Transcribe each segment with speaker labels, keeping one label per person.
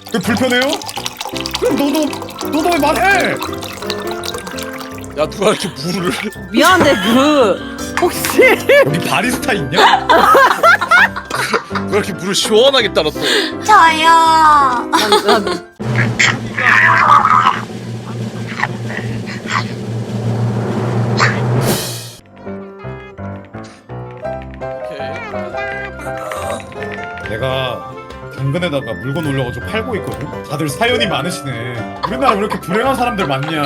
Speaker 1: 왜 불편해요? 그럼 너도 왜 말해?
Speaker 2: 야 누가 이렇게 물을
Speaker 3: 미안한데 혹시
Speaker 1: 여기 바리스타 있냐?
Speaker 2: 누가 이렇게 물을 시원하게 따랐어.
Speaker 4: 저요.
Speaker 1: 내가 당근에다가 물건 올려가지고 팔고 있거든? 다들 사연이 많으시네. 우리나라 왜 이렇게 불행한 사람들 많냐.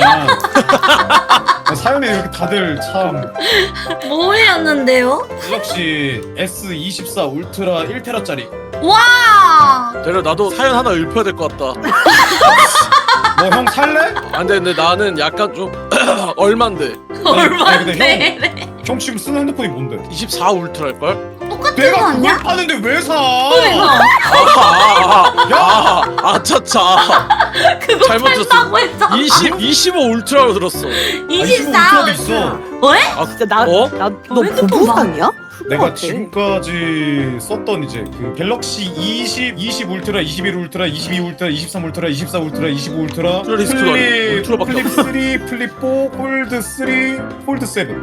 Speaker 1: 사연이 이렇게 다들 참.
Speaker 4: 뭐 올렸는데요?
Speaker 1: 갤럭시 S24 울트라 1테라짜리.
Speaker 4: 와.
Speaker 2: 대려 나도 사연 하나 읊어야 될 것 같다.
Speaker 1: 뭐 형 살래?
Speaker 2: 안 돼, 근데 나는 약간 좀 얼만데?
Speaker 4: 얼마인데?
Speaker 1: 형 지금 쓰는 핸드폰이 뭔데?
Speaker 2: 24 울트라일걸?
Speaker 4: 똑같은 거
Speaker 1: 내가 그걸
Speaker 4: 아니야?
Speaker 1: 파는데 왜 사?
Speaker 2: 아차차.
Speaker 4: 그거
Speaker 2: 잘못 들었어.
Speaker 4: 판다고 했어.
Speaker 2: 25 울트라로 들었어.
Speaker 4: 24.
Speaker 1: 울트라도 있어.
Speaker 4: 왜?
Speaker 2: 아,
Speaker 3: 진짜
Speaker 2: 어?
Speaker 3: 너
Speaker 4: 핸드폰
Speaker 3: 보부상이야?
Speaker 1: 내가 지금까지 썼던 이제 그 갤럭시 20 울트라, 21 울트라, 22 울트라, 23 울트라, 24 울트라, 25 울트라,
Speaker 2: 울트라리스트가 아니고 울트라밖에
Speaker 1: 플립
Speaker 2: 없어.
Speaker 1: 3, 플립 4, 폴드 3, 폴드 7.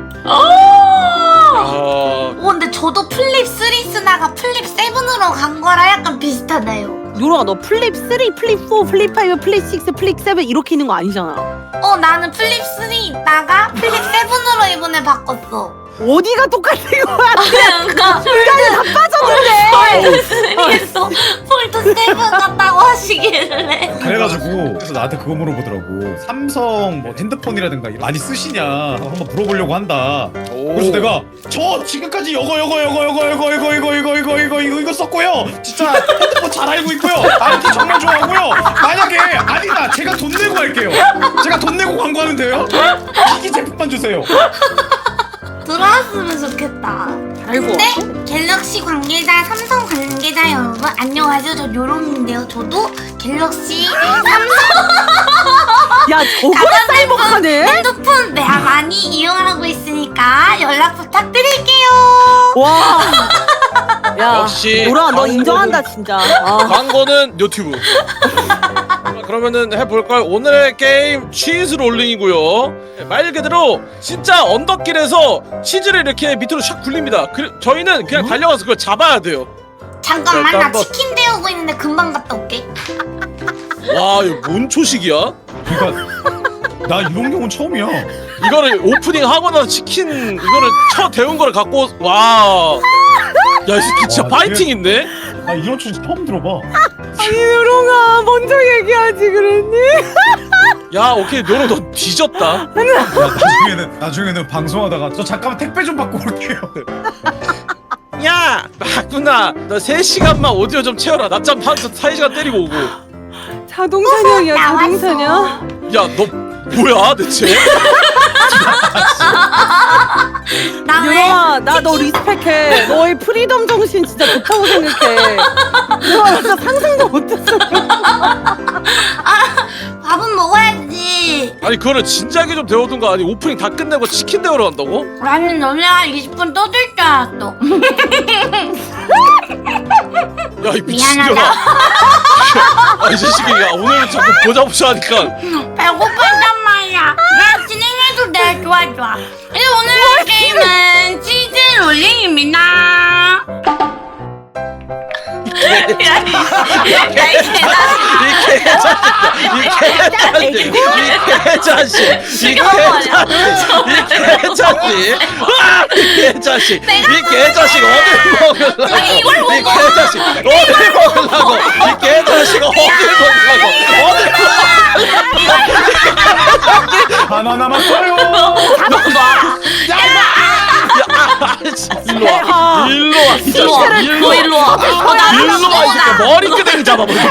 Speaker 2: 아,
Speaker 4: 근데 저도 플립 3 쓰다가 플립 7으로 간 거랑 약간 비슷하네요.
Speaker 3: 요롱아 너 플립 3, 플립 4, 플립 5, 플립 6, 플립 7 이렇게 있는 거 아니잖아.
Speaker 4: 나는 플립 3 있다가 플립 7으로 이번에 바꿨어.
Speaker 3: 어디가 똑같은 거야?
Speaker 4: 그러니까
Speaker 3: 중간에 다 빠졌는데.
Speaker 4: 폴드 3에서 폴드 7 같다고 하시길래.
Speaker 1: 그래가지고 그래서 나한테 그거 물어보더라고. 삼성 뭐 핸드폰이라든가 많이 쓰시냐 한번 물어보려고 한다.
Speaker 2: 오.
Speaker 1: 그래서 내가 저 지금까지 이거 썼고요. 진짜 핸드폰 잘 알고 있고요. IT 정말 좋아하고요. 만약에 아니다 제가 돈 내고 할게요. 제가 돈 내고 광고하는데요. 기기 제품만 주세요.
Speaker 4: 들어왔으면 좋겠다.
Speaker 3: 알고.
Speaker 4: 근데 갤럭시 관계자, 삼성 관계자 여러분 안녕하세요. 저 요롱인데요. 저도 갤럭시 삼성
Speaker 3: 야 저거 쌀먹하네.
Speaker 4: 핸드폰 많이 이용하고 있으니까 연락 부탁드릴게요.
Speaker 3: 와. 야
Speaker 2: 역시
Speaker 3: 요롱아 너
Speaker 2: 광고는-
Speaker 3: 인정한다 진짜.
Speaker 2: 광고는 유튜브. 그러면은 해볼까요? 오늘의 게임 치즈 롤링이고요. 말 그대로 진짜 언덕길에서 치즈를 이렇게 밑으로 샥 굴립니다. 저희는 그냥 달려가서 그걸 잡아야 돼요.
Speaker 4: 잠깐만
Speaker 2: 일단
Speaker 4: 나
Speaker 2: 한번-
Speaker 4: 치킨 데우고 있는데 금방 갔다 올게.
Speaker 2: 와, 이거 뭔 초식이야?
Speaker 1: 그러니까 나 이런 경우는 처음이야.
Speaker 2: 이거를 오프닝 하고 나서 치킨 이거를 데운 거를 갖고 와. 야, 이 새끼 진짜
Speaker 1: 와,
Speaker 2: 파이팅 있네.
Speaker 1: 나 이런 초식 처음 들어봐.
Speaker 3: 아니 요롱아 먼저 얘기하지 그랬니?
Speaker 2: 야, 오케이, 너는 너 뒤졌다.
Speaker 1: 야, 나중에는 방송하다가 저 잠깐만 택배 좀 받고 올게요.
Speaker 2: 야, 마구나, 너 3시간만 오디오 좀 채워라. 낮잠 한 4시간 때리고 오고.
Speaker 3: 자동 사냥이야 자동 사냥.
Speaker 2: 야, 너 뭐야 대체?
Speaker 4: 나 왜?
Speaker 3: 요롱아 나 너 리스펙해. 너의 프리덤 정신 진짜 좋다고 생각해. 와 진짜 상상도 못했어.
Speaker 4: 밥은 먹어야지.
Speaker 2: 아니 그거를 진작에 좀 데워둔가. 아니 오프닝 다 끝내고 치킨 데우러 간다고?
Speaker 4: 나는 너네 한 20분 떠들 줄 알았어.
Speaker 2: 야, 이 미친년아.
Speaker 4: 미안하다.
Speaker 2: 아, 이 자식이 야 오늘 자꾸 보자 하니까.
Speaker 4: 배고팠단 말이야. 나 진행해도 돼. 좋아. 근데 오늘의 게임은 치즈 롤링입니다.
Speaker 2: 이 개자식 어딜 먹으려고?
Speaker 4: 이걸
Speaker 2: 이 개자식 어딜 먹으려고? 이 개자식 어딜 먹으려고?
Speaker 1: 하나 남았어요.
Speaker 2: 일로 와, 이 자식, 일로 와. 일로 와, 이 새끼. 머리끄댕이 잡아버리기.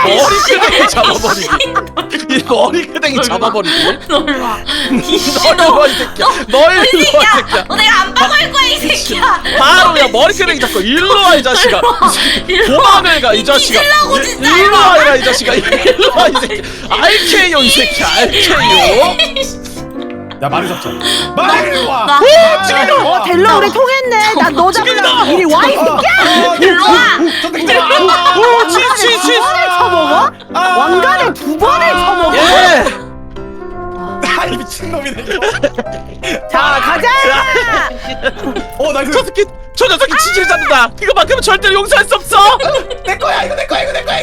Speaker 2: 이 머리끄댕이 잡아버리기.
Speaker 4: 놀러 와.
Speaker 2: 너 일로 와, 이 새끼야. 너 일로 와, 이 새끼야.
Speaker 4: 내가 안 박을 거야, 이 새끼야.
Speaker 2: 바로 그냥 머리끄댕이 잡고 일로 와, 이 자식아. 도망을 가, 이 자식아.
Speaker 4: 뒤질라고 진짜.
Speaker 2: 일로 와라, 이 자식아. 일로 와, 이 새끼. RK요, 이 새끼. RK요.
Speaker 1: 야 말을 잡자. 말을 와.
Speaker 3: 델로 우리 통했네. 난 너 잡으려고 이리 와 이 새끼야.
Speaker 4: 일로와.
Speaker 2: 치치.
Speaker 3: 쳐먹어? 왕관을 2번을 쳐먹어?
Speaker 2: 예.
Speaker 1: 아이 미친놈이네.
Speaker 3: 자 가자.
Speaker 1: 나이스.
Speaker 2: 저 녀석이 치즈를 잡는다. 이거만큼은 절대로 용서할 수 없어.
Speaker 1: 내 거야 이거 내 거야.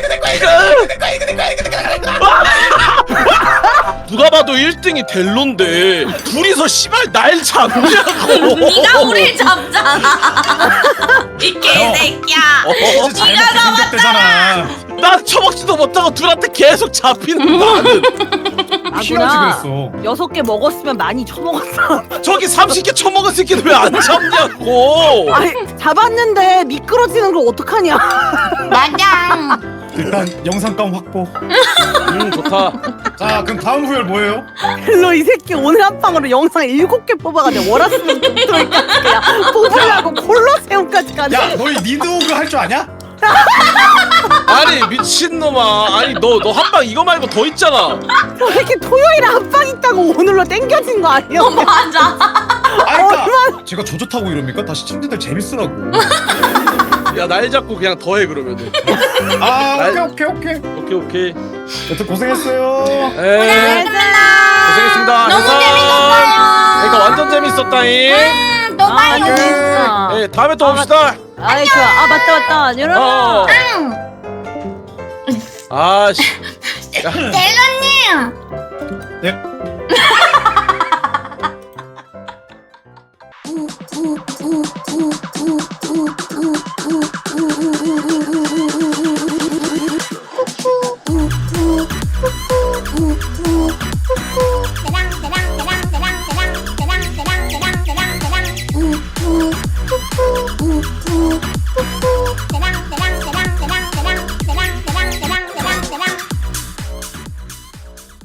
Speaker 2: 누가 봐도 1등이 델론데 둘이서 씨발 날 잡냐고.
Speaker 4: 네가 우릴 잡잖아. 이 개새끼야.
Speaker 1: 치즈 잘못 생겼대잖아.
Speaker 2: 난 처먹지도 못하고 둘한테 계속 잡히는 나는.
Speaker 1: 피어지
Speaker 3: 아구나.
Speaker 1: 그랬어.
Speaker 3: 6개 먹었으면 많이 쳐먹었어.
Speaker 2: 저기 30개 처먹은 새끼는 왜 안 잡냐고.
Speaker 3: 아니 잡았는데 미끄러지는 걸 어떡하냐.
Speaker 4: 맞아.
Speaker 1: 일단 영상감 확보.
Speaker 2: 좋다.
Speaker 1: 자 그럼 다음 후열 뭐예요?
Speaker 3: 델로 이 새끼 오늘 한 방으로 영상 7개 뽑아가지고 월화수목 금토일까지 그냥 뽑으려고 콜로세움까지 가네.
Speaker 1: 야 너희 니드오그 할 줄 아냐?
Speaker 2: 아니 미친놈아. 아니 너 한 방 이거 말고 더 있잖아.
Speaker 3: 저 새끼 토요일에 한 방 있다고 오늘로 땡겨진 거 아니야?
Speaker 4: 맞아.
Speaker 1: 아니 그니까 제가 조조 타고 이럽니까? 다 시청자들 재밌으라고.
Speaker 2: 야 날 잡고 그냥 더해 그러면은. 오케이.
Speaker 1: 여튼 고생했어요.
Speaker 2: 에 고생했습니다.
Speaker 4: 너무
Speaker 2: 해산.
Speaker 4: 재밌었어요.
Speaker 2: 그러니까 완전 재밌었다잉.
Speaker 4: 너 봐요.
Speaker 3: 재밌어.
Speaker 2: 예 다음에 또 봅시다.
Speaker 3: 아이 좋아. 아 맞다. 여러분.
Speaker 4: 응.
Speaker 2: 아씨.
Speaker 4: 델로님.
Speaker 1: 네?